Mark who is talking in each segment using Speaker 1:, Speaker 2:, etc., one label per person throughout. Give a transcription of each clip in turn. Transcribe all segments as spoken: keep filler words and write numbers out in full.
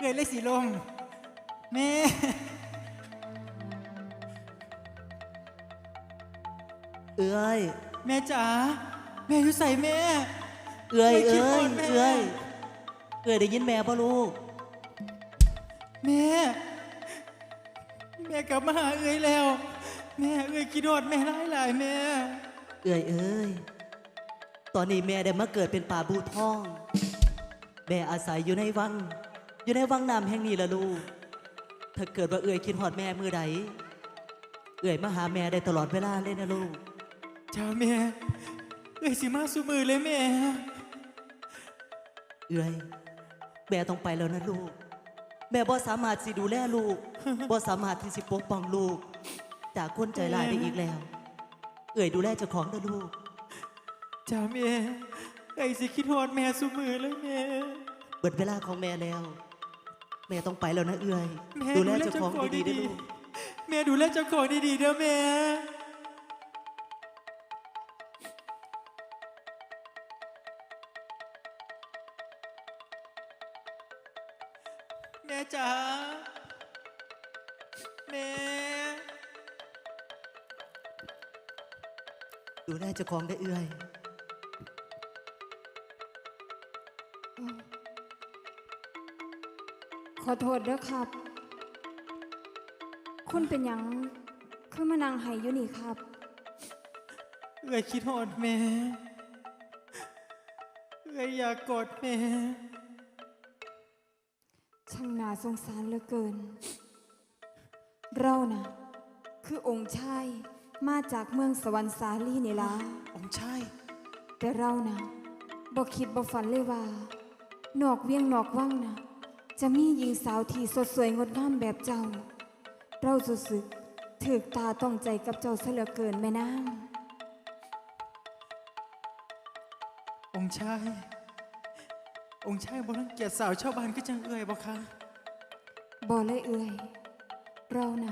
Speaker 1: ยเลยสีลมแม่
Speaker 2: เอ้ย
Speaker 1: แม่จ๋าแม่อยู่ใส่แม่
Speaker 2: เอ้ยเอ้ยเอ้ยเอ้ยได้ยินแม่ป่ะลูก
Speaker 1: แม่แม่กลับมาหาเอ้ยแล้วแม่เอ้ยคิดโดดแม่ร้ายหลายแม่
Speaker 2: เอ้ยเอ้ยตอนนี้แม่ได้มาเกิดเป็นป่าบูทองแม่อาศัยอยู่ในวังอยู่ในวังน้ำแห่งนี้ละลูกถ้าเกิดว่าเอ้ยคิดหอดแม่มือใดเอ้ยมาหาแม่ได้ตลอดเวลาเลยนะลูก
Speaker 1: จ้าแม่เอ้ยสิมาสู้มือเลยแม่
Speaker 2: เอ้ยแม่ต้องไปแล้วนะลูกแม่บ่สามารถสิดูแลลูกบ่สามารถที่สิปกป้องลูกจากคนใจร้ายได้อีกแล้วเอ้ยดูแลเจ้าของนะลูก
Speaker 1: จ้าแม่เอ้ยสิคิดฮอดแม่สู้มือเลยแม่
Speaker 2: เบิดเวลาของแม่แล้วแม่ต้องไปแล้วนะเอ้ยดูแลเจ้าของดีๆด้วยลูก
Speaker 1: แม่ดูแลเจ้าของดีๆเด้อแม่แม่จ๋าแม่
Speaker 2: ดูแลเจ้าของได้เอื้อย
Speaker 3: ขอโทษด้วยครับคุณเป็นหยังคือมานั่งไห้อยู่นี่ครับ
Speaker 1: เอ้ยคิดฮอดแม่เอ้ยอยากกอดแม่
Speaker 3: ช่างน่าสงสารเหลือเกินเรานะคือองค์ชายมาจากเมืองสวรรค์สาลีนี่ล่ะ
Speaker 1: องค์ชาย
Speaker 3: แต่เรานะบ่คิดบ่ฝันเลยว่านอกเวียงนอกวังนะจะมีหญิงสาวที่สดสวยงดงามแบบเจ้าเรารู้สึกถึกตาต้องใจกับเจ้าซะเหลือเกินแม่นาง
Speaker 1: องค์ชายองค์ชายบ่รังเกียจสาวชาวบ้านก็จังเอื้อยบ่คะ
Speaker 3: บ่เลยเอื้อยเรานะ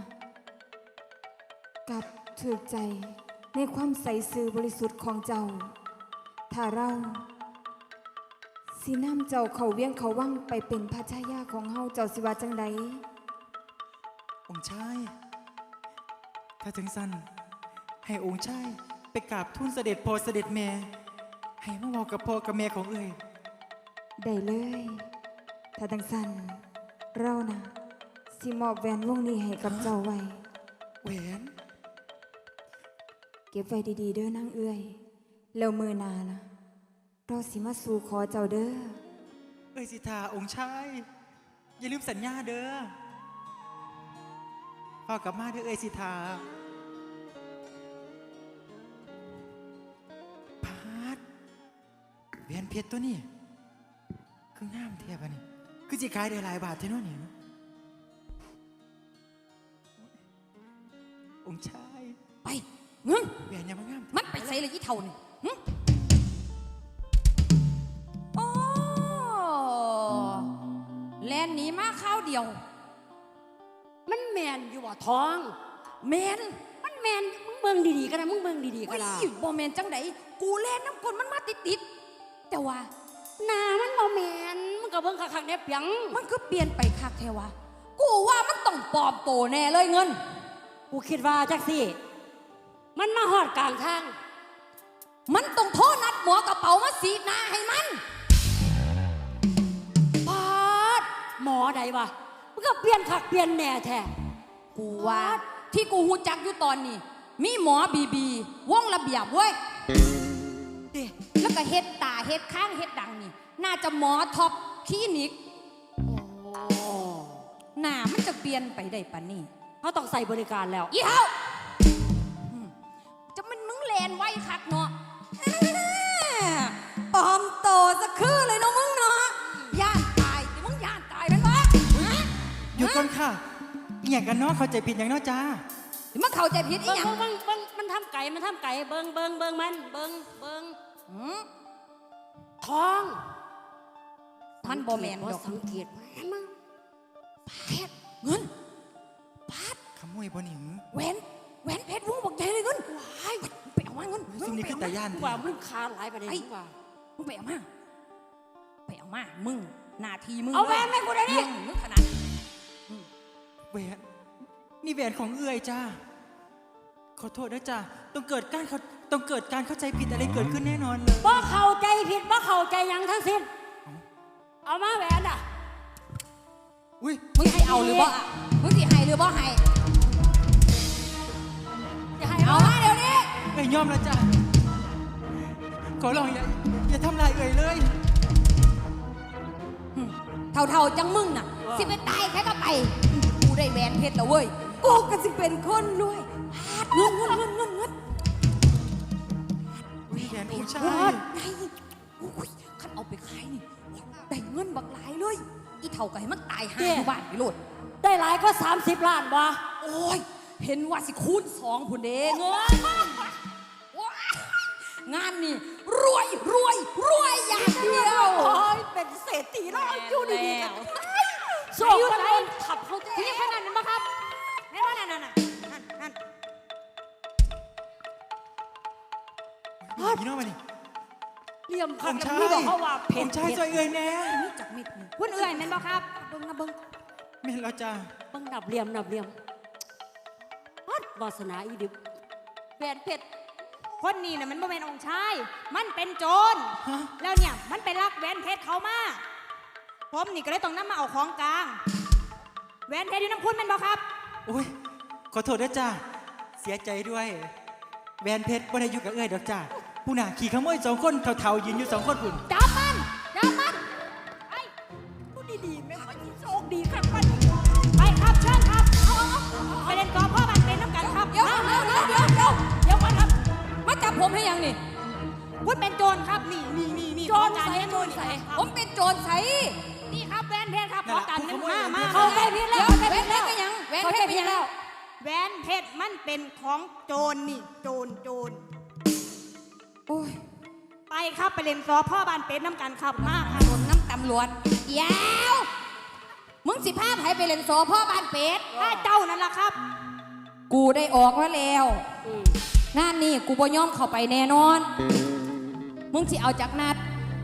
Speaker 3: กับถึกใจในความใสซื่อบริสุทธิ์ของเจ้าถ้าเราสินำเจ้าเขาเวียงเขาวังไปเป็นพระชายาของเฮาเจ้าสิว่าจังใด
Speaker 1: องค์ชายถ้าถึงสั้นให้องค์ชายไปกราบทูลเสด็จพ่อเสด็จแม่ให้มาเว้ากับพ่อกับแม่ของเอ้ย
Speaker 3: ได้เลยถ้าจังสั้นเรานะสิมอบแหวนวงนี้ให้กับเจ้าไว้
Speaker 1: แหวน
Speaker 3: เก็บไว้ดีๆเด้อนางเอื้อยแล้วมือนานะเราสิมาสู่ขอเจ้าเด้อ
Speaker 1: เอ้ยสิทาองค์ชายอย่าลืมสัญญาเด้อพ่อกลับมาเด้อเอ้ยสิทาพาดแหวนเพชรตัวนี้คืองามแท้ปะนี่คือสิขายได้หลายบาทแท้เนาะนี่องค์ชาย
Speaker 4: ไปเงิน
Speaker 1: แหวนยังมางาม
Speaker 4: มันไปใส่เลยยี่เท่านี่โอ้แลนหนีมาข้าวเดียว
Speaker 5: มันแมนอยู่ว่าทอง
Speaker 4: แมน
Speaker 5: มันแมนมึงเบิ่งดีๆก็ได้มึงเบิ่งดีๆก็ได้
Speaker 4: บ่แมนจังไดกูแลนน้ำกลนมันมาติดๆแต่ว่า
Speaker 5: หน้ามันบ่แมนมึงก็เบิ่งคักๆเนี่ยเปียง
Speaker 4: มันคือเปลี่ยนไปคักแท้วะกูว่ามันต้องปลอมโตแน่เลยเงิน
Speaker 5: กูคิดว่าจักสิมันมาหอดกลางทาง
Speaker 4: มันต้องโทษนัดหมอกระเป๋ามาสีหน้าให้มัน
Speaker 5: ปาดหมอใดวะมันก็เปลี่ยนคักเปลี่ยนแน่แท้
Speaker 4: กูว่าที่กูหูจักอยู่ตอนนี้มีหมอบีบีวงระเบียบเว้ยเด้แล้วก็เฮ็ดตาเฮ็ดข้างเฮ็ดดังนี่น่าจะหมอท็อปคลินิกหน้ามันจะเปลี่ยนไปได้ปะนี่
Speaker 5: เขาต้องใส่บริการแล้ว
Speaker 4: อีเฮาจะมันมึงแลนไว้คักเนาะปลอมโตจะคือเลยเนาะมึงเนาะย่านตายแต่มึงย่านตายเป็นวะ
Speaker 1: หยุดก่อนค่ะอีหยังกันเนาะเข้าใจผิดอย่างเนาะจ้า
Speaker 4: มันเข้าใจผิดอีหยัง
Speaker 5: เบิ้งเบิ้งมันทำไก่มันทำไก่เบิ้งเบิ้งเบิ้งมันเบิ้งเบิ้งทอง
Speaker 4: มันบ่แมนดอก
Speaker 5: สังเกตมั้ง
Speaker 4: แพทเงินปาด
Speaker 1: ขโมยบ่หนิง
Speaker 4: แหวนแหวนเพชรวงบอกใหญ่เลยเงินว้ายไปเอามาเงิน
Speaker 1: ซุ่มนี้คือตาย่าน
Speaker 5: ว่ามึงคาหลายประเด็นว่า
Speaker 4: มึงไปเอามาไปเอามามึงหน้าที่มึง
Speaker 5: เอาแหวนแม่กูได้ดิ
Speaker 4: มึงถ
Speaker 1: นี่แหวนของเอื้อยจ้าขอโทษนะจ้าต้องเกิดการเขาต้องเกิดการเข้าใจผิดอะไรเกิดขึ้นแน่นอนเลย
Speaker 5: บ่เข้าใจผิดบ่เข้าใจหยังทั้งสิ้น เอามาแหวนอ่ะ
Speaker 1: อุ้ย
Speaker 4: มึงสิเอาหรือบ่อะมึงสิให้หรือบ่ให้
Speaker 5: จะให้
Speaker 4: เอา
Speaker 5: เอา
Speaker 4: มาเดี๋ยวนี้
Speaker 1: เอ้ยยอมแล้วจ้าขอร้องอย่าอย่าทำลายเอ้ยเลย
Speaker 4: เท่าๆจังมึงน่ะ สิไปตายแค่ก็ไป กูได้แหวนเพชรแล้วเว้ย กูก็สิเป็นคนรวยเงินเงินเงินเงินเงิน
Speaker 1: แหวนองค์ชา
Speaker 4: ไง
Speaker 1: ย
Speaker 4: อุ้ยคันเอาไปขายนี่ได้เงินบักหลายเลย อีเท่าก็ให้มันตายหาอยู่บ้านไปโลด
Speaker 5: ได้หลายก็สามสิบล้านบ่
Speaker 4: โอ้ย เห็นว่าสิคูณสองพุ่นเด้เงินว้ายงานนี่รวยรวยรวยอย่างเดียว
Speaker 5: โอ้ยเป็นเศรษฐีแล้วอยู่ดีๆกันโซ่ก็ได้ขับเขาเจ๊
Speaker 4: ที่ขนาดนั้นปะครับแม่ว่านั่นน่ะนั่นนั่น
Speaker 1: พี่น้องมาดิ
Speaker 5: เหลี่ยม
Speaker 1: อ
Speaker 5: ขับ
Speaker 1: งค์
Speaker 5: กัน
Speaker 1: ชาย
Speaker 5: นี่บอกเขาว่า
Speaker 1: อ
Speaker 5: เผ็ด
Speaker 1: งค์ชายช่วยเอ้ยแน่
Speaker 4: นี่จักเม็ดนี่คุณเอื่อยแม่นบ่ครับเบิ่งนะเบิ่ง
Speaker 1: แม่นแล้วจ้า
Speaker 5: เบิ่งนับเหลี่ยมนับเหลี่ยมฮัดวาสนาอีดิบแหวนเพชร
Speaker 6: คนนี้น่ะมันบ่แม่นองค์ชาย มันเป็นโจร
Speaker 1: ฮะ
Speaker 6: แล้วเนี่ยมันไปลักแหวนเพชรเขามา ผมนี่ก็เลยต้องนำมาเอาของกลาง แหวนเพชรอยู่น้ำคุณแม่นบ่ครับ
Speaker 1: โอ้ยขอโทษด้วยจ้าเสียใจด้วยแหวนเพชรบ่ได้อยู่กับเอ้ยดอกจ้าผู้น่ะขี่ขโมยสองคนเท่าๆยืนอยู่สองคนพุ่น
Speaker 6: จับมันจับมัน
Speaker 5: พูดดีๆแม่งมันโชคดีครับมัน
Speaker 6: ไปครับเชิญครับเอาเอาเอาไปเล่นกอล์ฟพ่อบันเป็นน้ำกันครับ
Speaker 4: เดี๋ยว
Speaker 6: มา
Speaker 4: เดี๋ยว
Speaker 6: มา
Speaker 4: เดี๋ยวเดี๋ยวเดี๋ยว
Speaker 6: เดี๋ยวก่อนครับ
Speaker 4: มาจับผมให้ยังนี่
Speaker 6: คุณเป็นโจรครับ นี่นี่นี่นี่
Speaker 5: โจร
Speaker 6: ของกลาง
Speaker 5: ใส่
Speaker 6: นี่
Speaker 5: โจรใส่
Speaker 4: ผมเป็นโจรใส
Speaker 6: นี่ครับแหวนเพชรครับของกลางนี่มามา
Speaker 5: เข้าใจผิด
Speaker 4: เดี๋
Speaker 5: แล้
Speaker 4: ยว วแหวนเพชรก็ยังแหวน
Speaker 5: เข้า
Speaker 4: เพ
Speaker 5: ใจ
Speaker 4: ชรก็
Speaker 5: ผิด
Speaker 4: ยัง
Speaker 5: แล้ว
Speaker 6: แหวนเพชรมันเป็นของโจรนี่ โจรโจร
Speaker 4: โอ้ย
Speaker 6: ไปครับไปเล่นกอล์ฟพ่อบันเป็นน้ำกันครับมาครับ
Speaker 4: โดนน้ำตำรวจเดี๋ยวมึงสิพาไผไปเล่นโซพ่อบ้านเป็ด
Speaker 6: ถ้าเจ้านั่นล่ะครับ
Speaker 4: กูได้ออกมาแล้ว งานนี้กูบ่ยอมเข้าไปแน่นอน มึงสิเอาจากนัด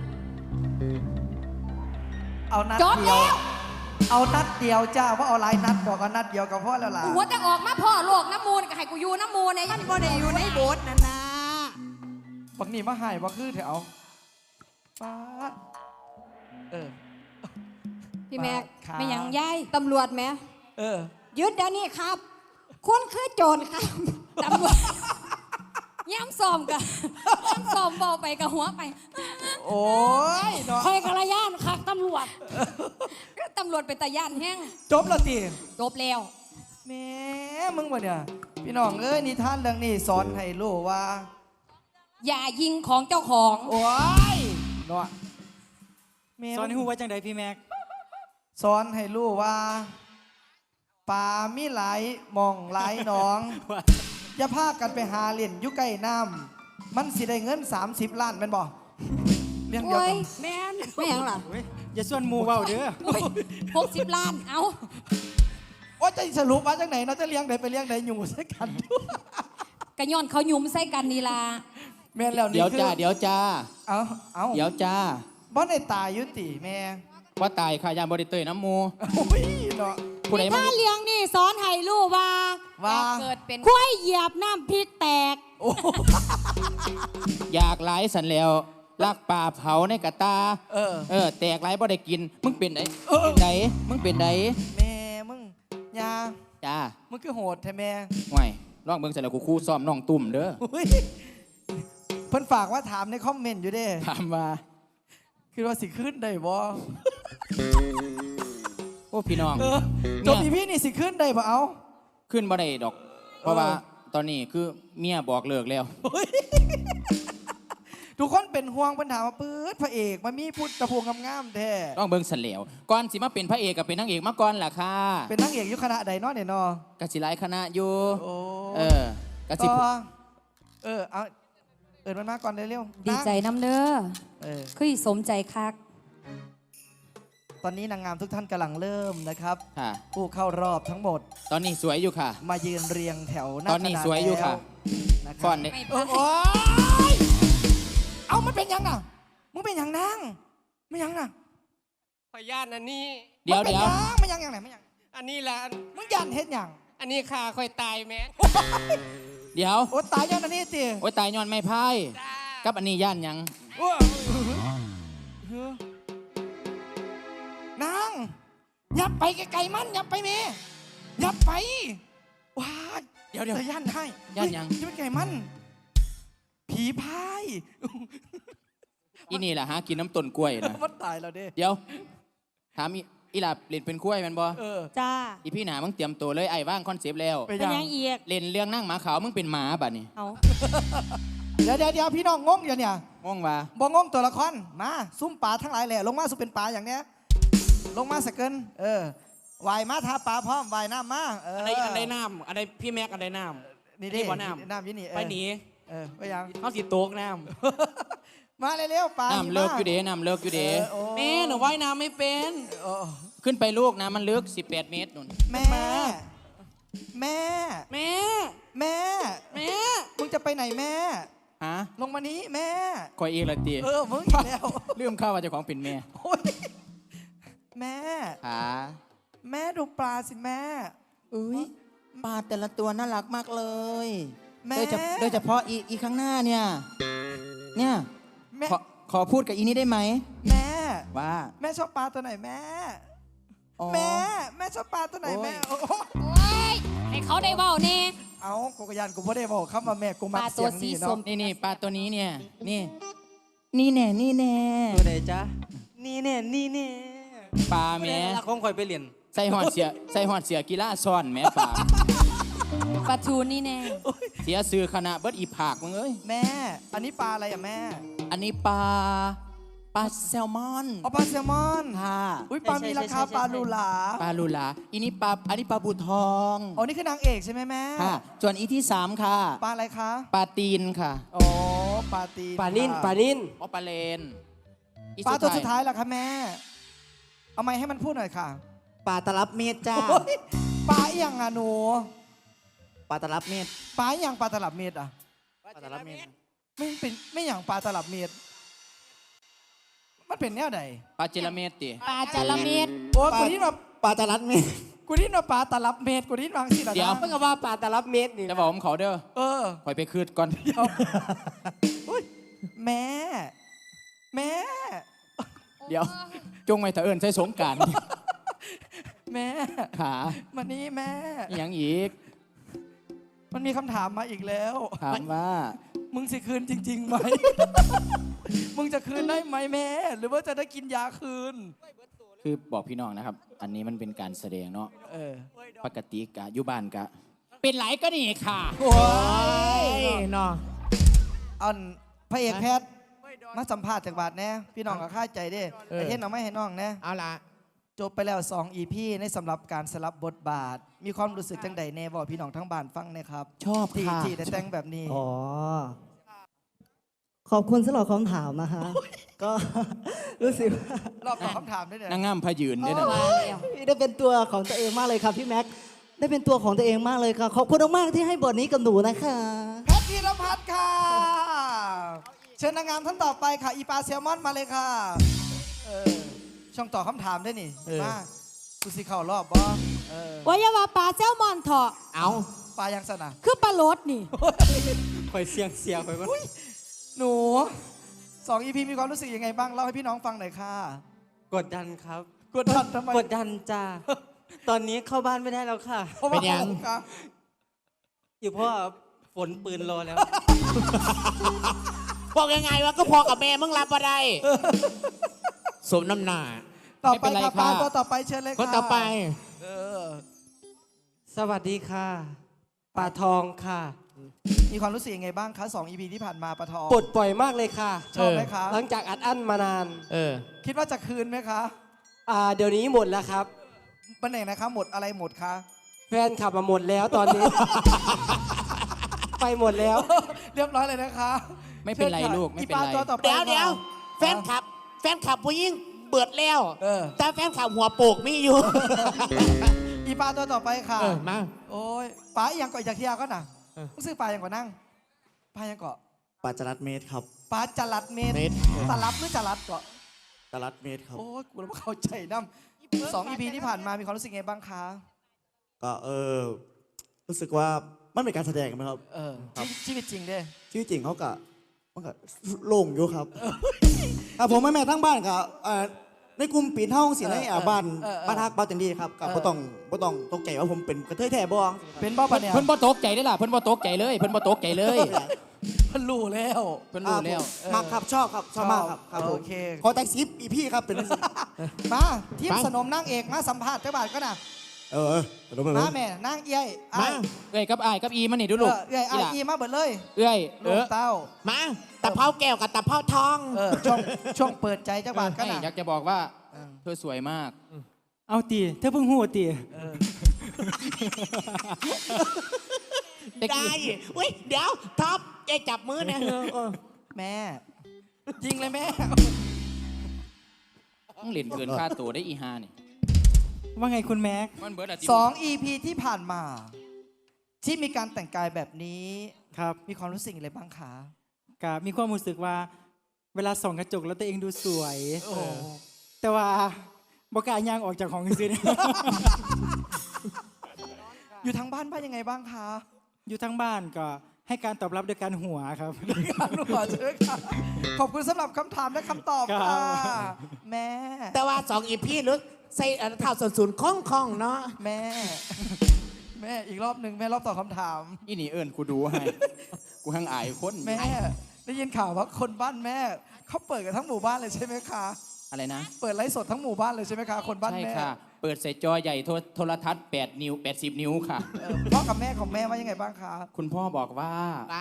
Speaker 7: เอานัด
Speaker 4: จบ
Speaker 7: เดียว
Speaker 4: แล้ว
Speaker 7: เอานัดเดียวจ้าว่าเอาหลายนัดดอกเอานัดเดียวก็พอแล้วล่ะ
Speaker 4: กูหัวจะออกมาพ่อโลกน้ำมูลก็ให้กูอยู่น้ำมูลเนี่ยมันบ่ได้อยู่ในโบสถ์นั่นนะ
Speaker 7: บักนี่มาใหายบักคือแถวป้าดเออ
Speaker 6: พี่แม็ก
Speaker 7: ครับ
Speaker 6: ไม่ยังย้ายตำรวจไหม
Speaker 7: เออ
Speaker 6: ยึดเดี๋ยวนี้ครับ คุณคือโจรครับ
Speaker 4: ตำรวจย้ำซ้อมกันย้ำซ้อมเบาไปกับหัวไป
Speaker 7: โอ้ยเนาะ
Speaker 5: คอยกระยานคักตำรวจ
Speaker 4: ก็ตำรวจเป็นตาย่านแห้ง
Speaker 7: จบและตี
Speaker 4: จบแล้ว
Speaker 7: แหม่มึงวะเนี่ย พี่น้องเอ้ยนิทานเรื่องนี้สอนให้รู้ว่า
Speaker 4: อย่ายิงของเจ้าของ
Speaker 7: โอ้ยเนาะแม่
Speaker 1: สอนให้ฮู้ว่าจังใดพี่แม็ก
Speaker 7: สอนให้รู้ว่าปลามีหลายหมองหลายหนอง อย่าพากันไปหาเล่นอยู่ใกล้น้ำมันสิได้เงิน สามสิบ ล้านแม่นบ่เรื่องเดียว
Speaker 4: โอ้
Speaker 7: กั
Speaker 4: ย
Speaker 7: น
Speaker 5: แม่น
Speaker 6: ไม่ยังล่ะ
Speaker 1: เว้ยอย่าส่วนหมูเว้าเด้อ
Speaker 4: หกสิบล้าน เอา
Speaker 7: โอ้จะสรุปว่าจังไหนเนาะจะเลี้ยงใดไปเลี้ยงใดอยู่ใส่กัน
Speaker 4: กระย้อนเขายุ่มใส่กันนี่ล่ะ
Speaker 7: แม่นแล้วนี่
Speaker 8: เดี๋ยว
Speaker 7: คือ
Speaker 8: จ้าเดี๋ยวจ้า
Speaker 7: เอาเอา
Speaker 8: เดี๋ยวจ้า
Speaker 7: บ่ได้ตายอยุติแม่
Speaker 8: ว่าตายค่ะยามบริเตยน้ำมู
Speaker 7: โอ้ยเนาะ
Speaker 8: ผู้ใดมา
Speaker 5: ถ้าเลี้ยงนี่สอนให้รู้ว่า
Speaker 7: ว่า
Speaker 4: เกิดเป็น
Speaker 5: คุ้ยเหยียบน้ำพริกแตก
Speaker 7: โอ้
Speaker 8: อยากหลายสันแล้วลักป่าเผาในกระตา
Speaker 7: เออ
Speaker 8: เออ แตกหลายบ่ได้กิน มึงเป็นได
Speaker 7: เออ
Speaker 8: เป็นไดมึงเป็นได
Speaker 7: แม่มึงยา
Speaker 8: จ้า
Speaker 7: มึงคือโหดแท้แม่
Speaker 8: ห่วยลองเบิ่งเสร็จแล้วกูคู่ซ้อมน้องตุ่มเด้อ
Speaker 7: โอ้ยเพิ่นฝากว่าถามในคอมเมนต์อยู่เด้
Speaker 8: ถามว่า
Speaker 7: คือว่าสิขึ้นได้บ่
Speaker 8: โอ้พี่น้อง
Speaker 7: เออจบอีพี่นี่สิขึ้นได้บ่เอา
Speaker 8: ขึ้นบ่ได้ดอก เพราะ
Speaker 7: เออ
Speaker 8: ว่าตอนนี้คือเมียบอกเลิกแล้ว
Speaker 7: ทุกคนเป็นห่วงเพิ่นถามว่าปื๊ดพระเอกมันมีพูดตะพวงงามๆแท้
Speaker 8: ต้องเบิ่งเสร็จแล้วก่อนสิมาเป็นพระเอกกับเป็นนางเอกมาก่อนล่ะค่ะ
Speaker 7: เป็นนางเอกอยู่คณะใดเนาะเนี่ยเนาะ
Speaker 8: กสิหลายคณะอยู่
Speaker 7: โอ้
Speaker 8: เออกสิ
Speaker 7: ต่อเออเอาเอินมันมาก่อนเร็วๆ
Speaker 4: ดีใจน้ำเด้อ
Speaker 7: เออ
Speaker 4: คือสมใจคัก
Speaker 7: ตอนนี้นางงามทุกท่านกำลังเริ่มนะครับ
Speaker 8: ค่ะ
Speaker 7: ผู้เข้ารอบทั้งหมด
Speaker 8: ตอนนี้สวยอยู่ค่ะ
Speaker 7: มายืนเรียงแถวหน้า
Speaker 8: ตอนนี้
Speaker 7: กระดาษ
Speaker 8: สวยอยู่ค่ะ
Speaker 7: แล้วนะค
Speaker 8: ก่
Speaker 7: รั
Speaker 8: อบ นเนี่ย
Speaker 7: เออโอ๊ยเอามันเป็นยังน่ะมึงเป็นยังนางไม่ยังน่ะ
Speaker 9: ขออนุญาตอันนี้
Speaker 8: เดี๋ยว
Speaker 7: มันป็น
Speaker 8: เดี๋ยว
Speaker 7: งไม่ยังยังไหนไม่ยัง
Speaker 9: อันนี้แหละ
Speaker 7: มึงยันเฮ็ดยัง
Speaker 9: อันนี้ขาค่อยตายแม่
Speaker 8: เดี๋ยว
Speaker 7: โอ้ตายยังอันนี้ติ
Speaker 8: โอ้ยตายย้อนไม่พายกับอันนี้ย่านหยัง
Speaker 7: นางยับไปไกลๆมันยับไปเมยับไปว้า
Speaker 8: เดี๋ยวเดี๋ยว
Speaker 7: ธอย่านให้
Speaker 8: ย่านหยัง
Speaker 7: เฮ้ยับไปไกลมัน ผีพาย
Speaker 8: อีนี่แหละฮะกินน้ำต้นกล้วยนะ
Speaker 7: มันตายแล้วเด้
Speaker 8: เดี๋ยว ถามอีอีหลับเล่นเป็นกล้วยแมันบ่
Speaker 7: เออ
Speaker 6: จ้า
Speaker 8: อีพี่หนามึงเตรียมตัวเลยไอ้ว่างคอนเซปต์แล้ว
Speaker 7: ไป
Speaker 6: เป็น
Speaker 7: ยัง
Speaker 6: ยังอีก
Speaker 8: เล่นเรื่องนั่งหมาขาวมึงเป็นหมาบัดนี้
Speaker 6: เอา
Speaker 7: เดี๋ยวเดี๋ยวเดี๋ยวพี่น้องงงอยู่เนี่ย
Speaker 8: งงว่า
Speaker 7: บ่งงตัวละครมาซุ่มปลาทั้งหลายแหละลงมาสุเป็นปลาอย่างเนี้ยลงมาสกเกินเออวายมาทาปลาพร้อมวายน้ำมาเออ
Speaker 9: อันใดอันใดน้ำอันใดพี่แม็กอันใดน้ำ
Speaker 7: นี่ดิ
Speaker 9: นี่บ่น้ำ
Speaker 7: น้ำยี่นี่เออ
Speaker 9: ไปหนี
Speaker 7: เออไปยัง
Speaker 9: เขาสิโตกน้
Speaker 7: มาเร็วๆปลา
Speaker 8: น้ำเลิกอยู่เด้น้ำเลิกอยู่เด้
Speaker 7: เออโอ้
Speaker 9: ำแม่หนูว่ายน้ำไม่เป็น
Speaker 7: โอ้
Speaker 8: ขึ้นไปลูกนะมันลึกสิบแปดเมตรนุ่น
Speaker 7: แม่ แม่
Speaker 9: แม่
Speaker 7: แม่
Speaker 9: แม่
Speaker 7: มึงจะไปไหนแม่
Speaker 8: ฮะ
Speaker 7: ลงมานี้แม่
Speaker 8: คอยเองละตี
Speaker 7: เออมึงอีกแล้ว
Speaker 8: ลืมข้าวว่าเจ้าของเป็นแม่
Speaker 7: โอ้ยแม่
Speaker 8: ขา
Speaker 7: แม่ดูปลาสิแม่
Speaker 8: อุ้ยปลาแต่ละตัวน่ารักมากเลย
Speaker 7: แม่
Speaker 8: โดยเฉโดยเฉพาะอีอีข้างหน้าเนี่ย เนี่ย
Speaker 7: แม่
Speaker 8: ขอขอพูดกับอีนี้ได้ไหม
Speaker 7: แม่
Speaker 8: ว่า
Speaker 7: แม่ชอบปลาตัวไหนแม่
Speaker 8: อ๋อ
Speaker 7: แม่ แม่ชอบปลาตัวไหนแม่
Speaker 8: โอ้ย
Speaker 7: โอ้โห
Speaker 4: โอ้ยให้เขาได้เว้าแน่
Speaker 7: เอากูกยานกูไม่ได้บอกคำว่าแม่กูมา
Speaker 4: ปลาตั
Speaker 7: เสี
Speaker 4: วย
Speaker 7: ง
Speaker 4: สี
Speaker 7: นี่
Speaker 4: ส้
Speaker 7: เนาะ
Speaker 4: ม
Speaker 8: นี่นี่ปลาตัวนี้เนี่ย นี่ นี่แน่นี่แน่
Speaker 10: ตัวไหนจ๊ะ นี่เนี่ยนี่เนี่ย
Speaker 8: ปลาแม่
Speaker 10: ละของคอยไปเรียน
Speaker 8: ใส่หอดเสียใส่หอดเสียกีฬาซ่อนแม่ปลา
Speaker 4: ปลาทูนี่แน่
Speaker 8: เสียซื้อคณะเบิดอีผากมึงเอ้ย
Speaker 7: แม่ อันนี้ปลาอะไรอ่ะแม่
Speaker 8: อันนี้ปลาปลาแซลมอน
Speaker 7: อ๋อปลาแซลมอน
Speaker 8: ค่ะ
Speaker 7: อุ้ยปลามีราคาปลาลูหลา
Speaker 8: ปลาลูลาอันนี้ปลาอันนี้ปลาบูทอง
Speaker 7: อ๋อนี่คือนางเอกใช่ไหมแม่
Speaker 8: ค่ะส่วนอีที่สามค่ะ
Speaker 7: ปลาอะไรคะ
Speaker 8: ปลาตีนค่ะ
Speaker 7: อ๋อปลาตี
Speaker 10: ปลานิ่น
Speaker 7: ค่ะ
Speaker 10: ปลานิ่น
Speaker 8: อ๋อปลาเลนอี
Speaker 7: ปลาตัวสุดท้ายล่ะคะแม่ เอาไม้ให้มันพูดหน่อยค่ะ
Speaker 10: ปลาตลับเมตรจ้า
Speaker 7: โอ้ยปลาอหย่างอ่ะหนู
Speaker 10: ปลาตลับเมตร
Speaker 7: ปลาอหย่างปลาตลับเม็ดอ่ะ
Speaker 10: ปลาตลับเมตร
Speaker 7: ไม่เป็นไม่อย่างปลาตลับเม็ดมันเป็นแนวใด
Speaker 8: ปลาเจลาเมตติ
Speaker 4: ปลาจาระเม็ด
Speaker 7: โอ้ยกูนี่มา
Speaker 10: ปลาตลับเมตร
Speaker 7: กูนี่มาปลาตลับเม็ดกูนี่วางสิล่ะ
Speaker 8: เดี๋ยว
Speaker 7: นะ
Speaker 10: เพิ่งก็ว่าปลาตลับเมตรนี่
Speaker 8: จะบอกผมเขาเด้อ
Speaker 7: เออ
Speaker 8: คอยไปคืดก่อน
Speaker 7: อุ๊ยแม่ แม่
Speaker 8: เดี๋ยว จงไว้ถ้าเอิญใช้สงกราร
Speaker 7: แม่
Speaker 8: ขา
Speaker 7: มานี่แม่
Speaker 8: อหย่างอีก
Speaker 7: มันมีคำถามมาอีกแล้ว
Speaker 8: ถามว่า
Speaker 7: มึงสิคืนจริงๆไหม มึงจะคืนได้ไหมแม่ หรือว่าจะได้กินยาคืน
Speaker 8: คือบอกพี่น้องนะครับ อันนี้มันเป็นการแสดงเนาะ
Speaker 7: เออ
Speaker 8: ปกติกะอยู่บ้านกะ เป็นไหลก็นี่ค่ะ
Speaker 7: โอ้ย
Speaker 10: เนาะ
Speaker 7: อันพระเอกแพทย์มาสัมภาษณ์จากบาทแน่พี่น้องก็ค่าใจเด้ไอ้เห็นเอาไม่ให้น้องแน่
Speaker 10: เอาละ
Speaker 7: จบไปแล้วสอง อี พี ในสำหรับการสลับบทบาท มีความรู้สึกจังใดแน่บอกพี่น้องทั้งบ้านฟังหนะครับ
Speaker 8: ชอบ
Speaker 7: ที่
Speaker 8: ค่ะ
Speaker 7: ที่ได้แต่งแบบนี้
Speaker 2: อ๋อ ขอบคุณสำหรับคำถามนะคะ ก็ รู้สึกว่าร
Speaker 7: อบตอบคำถามด้วยเนี่ย
Speaker 8: นางงามพยืนด้วยนะ
Speaker 2: พี่ได้เป็นตัวของตัวเองมากเลยครับพี่แม็ก ได้เป็นตัวของตัวเองมากเลยค่ะ ขอบคุณมากๆที่ให้บทนี้กับหนูนะคะ
Speaker 7: แพทย์ธีรพัฒน์ค่ะ เชิญนางงามท่านต่อไปค่ะ อีปลาแซลมอนมาเลยค่ะ เออ ช่องตอบคำถามด้วยนี่ มากูสิเข่ารอบบ่เออ
Speaker 6: ว่าอย่าว่าปลาแซลมอนเถอะ
Speaker 10: เอา
Speaker 7: ปลายังสนะ
Speaker 6: คือปลาโลดนี่
Speaker 10: คอยเสียงเสียงคอยก็
Speaker 7: หนูสอง อี พี มีความรู้สึกยังไงบ้าง เล่าให้พี่น้องฟังหน่อยค่ะ
Speaker 10: กดดันครับ
Speaker 7: กดดันทำไม
Speaker 10: กดดันจ้า ตอนนี้เข้าบ้านไม่ได้แล้วค่ะ
Speaker 7: พราะว่า
Speaker 8: เป็นยัง
Speaker 7: คะ
Speaker 10: อยู่เพราะว่าฝนปืนรอแล้ว
Speaker 9: บอกยังไงวะก็พอกับแม่มึงรับมาได้ สมน้ำหน้า
Speaker 7: ต่อ
Speaker 8: ไม่
Speaker 7: ไป
Speaker 8: เป็นไร
Speaker 7: ค่ะ
Speaker 8: ค่ะ
Speaker 7: ปลาตัวต่อไปเชิญเลยค่ะ
Speaker 9: คนต่อไป
Speaker 7: เออ
Speaker 10: สวัสดีค่ะ ปลาทองค่ะ
Speaker 7: มีความรู้สึกยังไงบ้างคะสอง อี พี ที่ผ่านมาปลาทอง
Speaker 10: ปลดปล่อยมากเลยค่ะ
Speaker 7: ชอบไหมคะ
Speaker 10: หลังจากอัดอั้นมานาน
Speaker 9: เออ
Speaker 7: คิดว่าจะคืนไหมคะ
Speaker 10: อ่า เดี๋ยวนี้หมดแล้วครับ
Speaker 7: วันไหนนะคะ หมดอะไรหมดคะ
Speaker 10: แฟนขับมาหมดแล้วตอนนี้ ไปหมดแล้ว
Speaker 7: เรียบร้อยเลยนะคะ
Speaker 8: ไม่เป็นไร
Speaker 7: ชิญค่ะ
Speaker 8: ลูกไม่เป็นไร
Speaker 7: อีปลาตัวต่อไป
Speaker 9: เดี๋ยวเดี๋ยว
Speaker 7: ค่ะ
Speaker 9: แฟนคลับ แฟนคลับผู้หญิงเบิดแล้ว
Speaker 7: เออ
Speaker 9: แต่แฟนคลับหัวโปกมีอยู่
Speaker 7: อีปลาตัวต่อไปค่ะ
Speaker 9: เออ มา
Speaker 7: โอ้ยปลาอีหยังเกาะจากเทียก็น่ะรู้สึกปลาอย่างก่อนนั่งปลาอย่างเกาะ
Speaker 11: ปลาจรัดเมตรครับ
Speaker 7: ปลาจลัดเมตร
Speaker 9: เมตร
Speaker 7: ตลับหรือจลัดเกาะ
Speaker 11: จรัดเมตรครับ
Speaker 7: โอ้ยกูแล้วเข้าใจน้ำสอง อี พี ที่ผ่านมามีความรู้สึกไงบ้างคะ
Speaker 11: ก็เออรู้สึกว่ามันเป็นการแสดงไหมครับ
Speaker 7: เออชีวิตจริงเด้
Speaker 11: ชีวิตจริงเขากะมันก็โล่งอยู่ครับครับผมแม่แม่ทั้งบ้านกับในกลุ่มปีนเท่าสิในอ่าบ้านบ้านฮักบ้านจันดีครับกับบ่ต้องบ่ต้องตกใจว่าผมเป็นกระเทยแท้บ้อง
Speaker 7: เป็นบ้าปะเนี่ย
Speaker 8: เพิ่นบ่ตกใจได้อล่ะเพิ่นบ่ตกใจเลยเพิ่นบ่ตกใจเลย
Speaker 7: เพิ่นรู้แล้ว
Speaker 8: เพิ่นรู้แล้ว
Speaker 11: มักครับชอบครับชอบมากครับครับผม
Speaker 7: โอเค
Speaker 11: ขอแต่งซิปอีพี่ครับเป็น
Speaker 7: มาทีมสนมนางเอกมาสัมภาษณ์เจ้าบ่าวก็น่ะ
Speaker 11: เออเออเดี๋ยวผม
Speaker 7: มาแม่นางเอี้ย
Speaker 11: มา
Speaker 8: เอ้ยกับอายกับอีมันนี่ดูลูก
Speaker 7: เอ้ยไอายอีมาเบิดเลย
Speaker 8: เอ้ยเอ
Speaker 7: ลูก
Speaker 8: อ
Speaker 7: เต้า
Speaker 9: มาตะเภาแก้วกับตะเภาทอง
Speaker 7: เออช่วงช่วงเปิดใจเจ้าบ่าวก็
Speaker 8: ให้
Speaker 7: น่ะ
Speaker 8: อยากจะบอกว่าเธอสวยมาก
Speaker 1: เอาตีเธอเพิ่งหูตี
Speaker 9: ได้อุ้ยเดี๋ยวท็อปเอ้จับมือเนี่ยเออ
Speaker 7: แม่ยิงเลยแม่
Speaker 8: ต้องเล่นเกินค่าตัวได้อีฮานี่
Speaker 1: ว่าไงคุณแม็ก
Speaker 8: มันเบิร์ดอะ
Speaker 7: สอง อี พี ที่ผ่านมา ที่มีการแต่งกายแบบนี้
Speaker 1: ครับ
Speaker 7: มีความรู้สึกอะไรบ้างคะ
Speaker 1: กับมีความรู้สึกว่า เวลาส่องกระจกแล้วตัวเองดูสวย
Speaker 7: โอ้
Speaker 1: แต่ว่าบอกกล้าย่างออกจากของจริง
Speaker 7: อยู่ทางบ้านบ้านยังไงบ้างคะ
Speaker 1: ๆอยู่ทั้งบ้านก็ให้การตอบรับโดยการหัวครับ
Speaker 7: การหัวเชิญค่ะขอบคุณสำหรับคำถามและคำตอบ
Speaker 1: ครั
Speaker 7: ค่ะ
Speaker 1: บ
Speaker 7: แม่
Speaker 9: แต่ว่าสองอีพี่ลึกใส่เท้าส่วนศูนย์คล่องคล่องๆเนาะ
Speaker 7: แม่ แม่อีกรอบหนึ่งแม่รอบตอบคำถาม
Speaker 8: อีนี่เอิญกูดูให้กูหังอายคน
Speaker 7: แม่ ได้ยินข่าวว่าคนบ้านแม่เขาเปิดกันทั้งหมู่บ้านเลยใช่ไหมคะ
Speaker 8: อะไรนะ
Speaker 7: เปิดไลฟ์สดทั้งหมู่บ้านเลยใช่ไหมคะคนบ้าน
Speaker 8: ใช่
Speaker 7: แม่
Speaker 8: ค่ะ เปิดใส่จอใหญ่โทรโทรทัศน์แปดนิ้วแปดสิบนิ้วค่ะ
Speaker 7: เออพ่อกับแม่ของแม่ว่ายังไงบ้างคะ
Speaker 8: คุณพ่อบอกว่า
Speaker 9: ป้า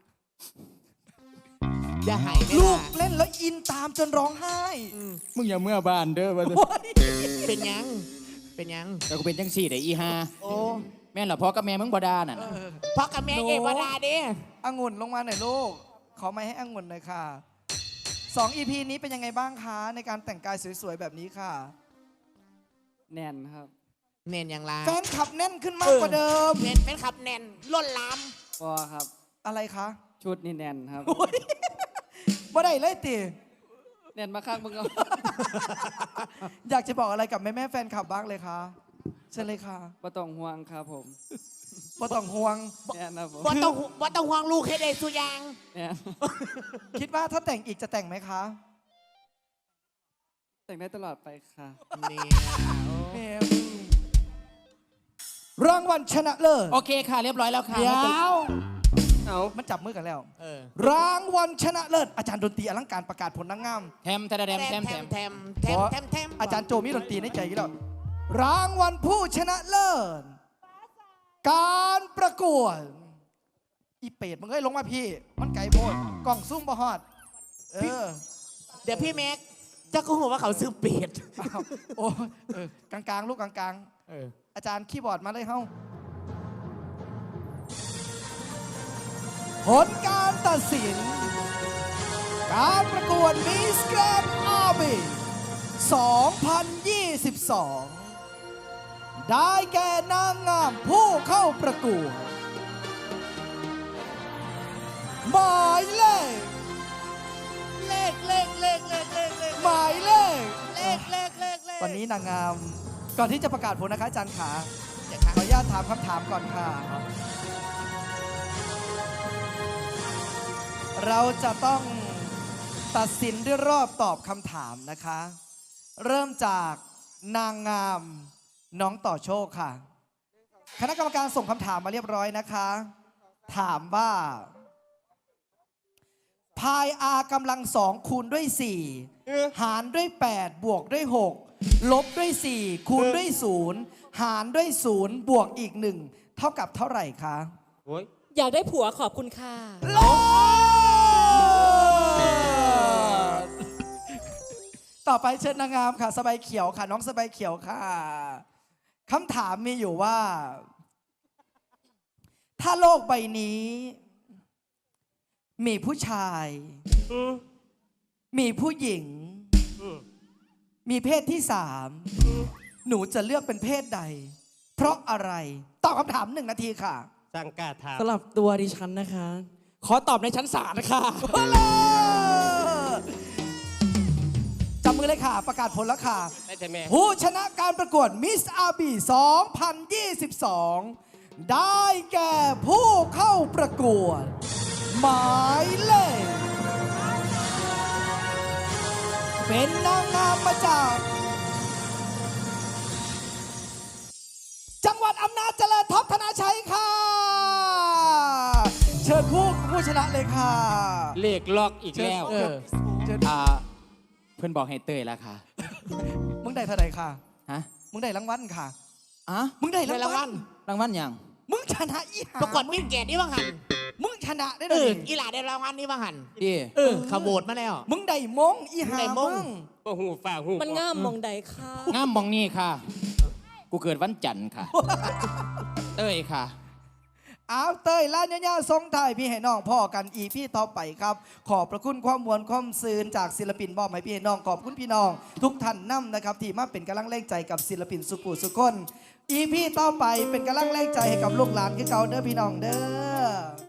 Speaker 9: อย่าหายไม่
Speaker 7: ลูก
Speaker 9: ได้
Speaker 7: เล่นแล้วอินตามจนร้องไห้
Speaker 8: มึงอย่าเมื่อบ้านเด้อว่า
Speaker 9: เป็นยัง เป็นยัง
Speaker 8: แต่กูเป็นจังสี่แต่อีฮา
Speaker 9: โอ้
Speaker 8: แม่นเหรอพ่อกับแม่มึงบ่ดาน่ะ
Speaker 9: พ่อกับแม่เอวดาเด้
Speaker 7: องุ่นลงมาหน่อยลูก ขอไม้ให้องุ่นหน่อยค่ะสอง อี พี นี้เป็นยังไงบ้างคะในการแต่งกายสวยๆแบบนี้ค่ะ
Speaker 10: แน่นครับ
Speaker 9: เน่นอย่างไร
Speaker 7: แฟนขับแน่นขึ้นมากกว่าเดิม
Speaker 9: เน่นเป็นขับเน่นล้นลาม
Speaker 10: พอครับ
Speaker 7: อะไรคะ
Speaker 10: ชุดนี่แน่นครับ
Speaker 7: ว่าได้เลยติ
Speaker 10: แน่นมาข้างมึงเอา
Speaker 7: อยากจะบอกอะไรกับแม่แม่ๆแฟนคลับบ้างเลยคะเชิญเลยค่ะ
Speaker 10: บ่ต้องห่วงครับผม
Speaker 7: บ่ต้องห่วง
Speaker 10: แน่นครับผม
Speaker 9: ว่าต้องว่าต้องห่วงลูกให้ได้สุอยาง
Speaker 10: แน่น
Speaker 7: คิดว่าถ้าแต่งอีกจะแต่งไหมคะ
Speaker 10: แต่งได้ตลอดไปค่ะ
Speaker 9: เนี่ย
Speaker 7: แม่มึงรางวัลชนะเลิศ
Speaker 8: โอเคค่ะ เรียบร้อยแล้วค่ะ
Speaker 7: เดี๋ยว
Speaker 10: เอา
Speaker 7: มันจับมือกันแล้ว
Speaker 9: เออ
Speaker 7: รางวัลชนะเลิศอาจารย์ดนตรีอลังการประกาศผลนางงาม
Speaker 8: แทมแทมแทม
Speaker 9: แท
Speaker 8: แท
Speaker 9: ม
Speaker 8: ม
Speaker 9: แท
Speaker 8: แท
Speaker 9: ม
Speaker 8: ม
Speaker 9: แทมแทมแทมแทม
Speaker 7: อาจารย์โจมีดนตรีในใจอยู่แล้วรางวัลผู้ชนะเลิศการประกวดอีเป็ดมึงเอ้ยลงมาพี่ มันไก่โพดกล่องซุ่มบะฮอดเออ
Speaker 9: เดี๋ยวพี่แม็กจะกูหัวว่าเขาซื้อเป็ด
Speaker 7: อ้าวโอ้เออกลางๆ ลูกกลาง
Speaker 9: เออ
Speaker 7: ๆ อาจารย์คีย์บอร์ดมาเลยเฮ้าผลการตัดสิน การประกวดมิสแกรนด์อาร์บีสองพันยี่สิบสองได้แก่นางงามผู้เข้าประกวด หมายเลข
Speaker 9: เลขเลขเลขเลขเลขเลข
Speaker 7: หมายเลข
Speaker 9: เลขเลขเลขเลข
Speaker 7: วันนี้นางงาม ก่อนที่จะประกาศผลนะคะอาจารย์ขา
Speaker 9: เดี๋ยว
Speaker 7: ข
Speaker 9: ครั
Speaker 7: อบ อนุญาตถามคำถามก่อนค่ะ เราจะต้องตัดสินด้วยรอบตอบคำถามนะคะ เริ่มจากนางงามน้องต่อโชคค่ะ คณะกรรมการส่งคำถามมาเรียบร้อยนะคะ ถามว่า พายอากำลังสองคูณด้วยสี่หารด้วยแปดบวกด้วยหกลบด้วยสี่คูณด้วยศูนย์หารด้วยศูนย์บวกอีกหนึ่งเท่ากับเท่าไหร่คะ
Speaker 6: อยากได้ผัวขอบคุณค่ะ
Speaker 7: โลดต่อไปเชิญนางงามค่ะสบายเขียวค่ะ น้องสบายเขียวค่ะคำถามมีอยู่ว่า ถ้าโลกใบนี้ มีผู้ชาย มีผู้หญิง มีเพศที่สามหนูจะเลือกเป็นเพศใด เพราะอะไรตอบคำถามหนึ่งนาทีค่ะ
Speaker 10: สำหรับตัวดิฉันนะคะ ขอตอบในชั้นศาลค่ะ
Speaker 7: จับมือเลยค่ะ ประกาศผลแล้วค่ะ ผู้ชนะการประกวดมิสอาร์บีสองพันยี่สิบสองได้แก่ผู้เข้าประกวด หมายเลขเป็นนางงามมาจาก จังหวัดอำนาจเจริญท็อปธนาชัยค่ะ เชิญผู้ผู้ชนะเลยค่ะ
Speaker 8: เลขล็อกอีกแล้ว
Speaker 7: เชิญเชิญ
Speaker 8: อ่าเพื่อนบอกให้เตยแล้วค่ะ
Speaker 7: มึงได้เท่าไหร่ค่ะ
Speaker 8: ฮะ
Speaker 7: มึงได้รางวัลค่ะ
Speaker 8: อ่ะ
Speaker 7: มึงได้
Speaker 9: ได้ราร
Speaker 7: าง ง
Speaker 9: วั
Speaker 7: วั
Speaker 9: ล
Speaker 7: ล
Speaker 8: รางวัลหยัง
Speaker 7: มึงชนะอีหา
Speaker 9: ประกวดวิ่งเกตนี่บ้างหัน
Speaker 7: มึงชนะได้
Speaker 9: เอ
Speaker 7: เล
Speaker 9: อย อีหลาได้รางวัลนี่บ้างหัน
Speaker 8: ดี
Speaker 9: เออขโมดมาแล้ว
Speaker 7: มึงได้มงอีหา
Speaker 9: มึงได้มง
Speaker 7: มึง
Speaker 10: โอ้โหฝ่าหู
Speaker 6: มันงามมองใดค่ะ
Speaker 8: งามมองนี่ค่ะ กูเกิดวันจันทร์ค่ะ เตยค่ะ
Speaker 7: อ้าวเตยล้านยาวๆทรงไทายพี่ให้น้องพ่อกันอีพี่ต่อไปครับ ขอบพระคุณความมวลความซืนจากศิลปินบอมให้พี่ให้น้องขอบคุณพี่น้อง ทุกท่านนำนะครับที่มาเป็นกำลังแรงใจกับศิลปินสุกูสุคนอีพี่ต่อไปเป็นกำลังแรงใจให้กับลูกหลานคือเก่าเด้อพี่น้องเด้อ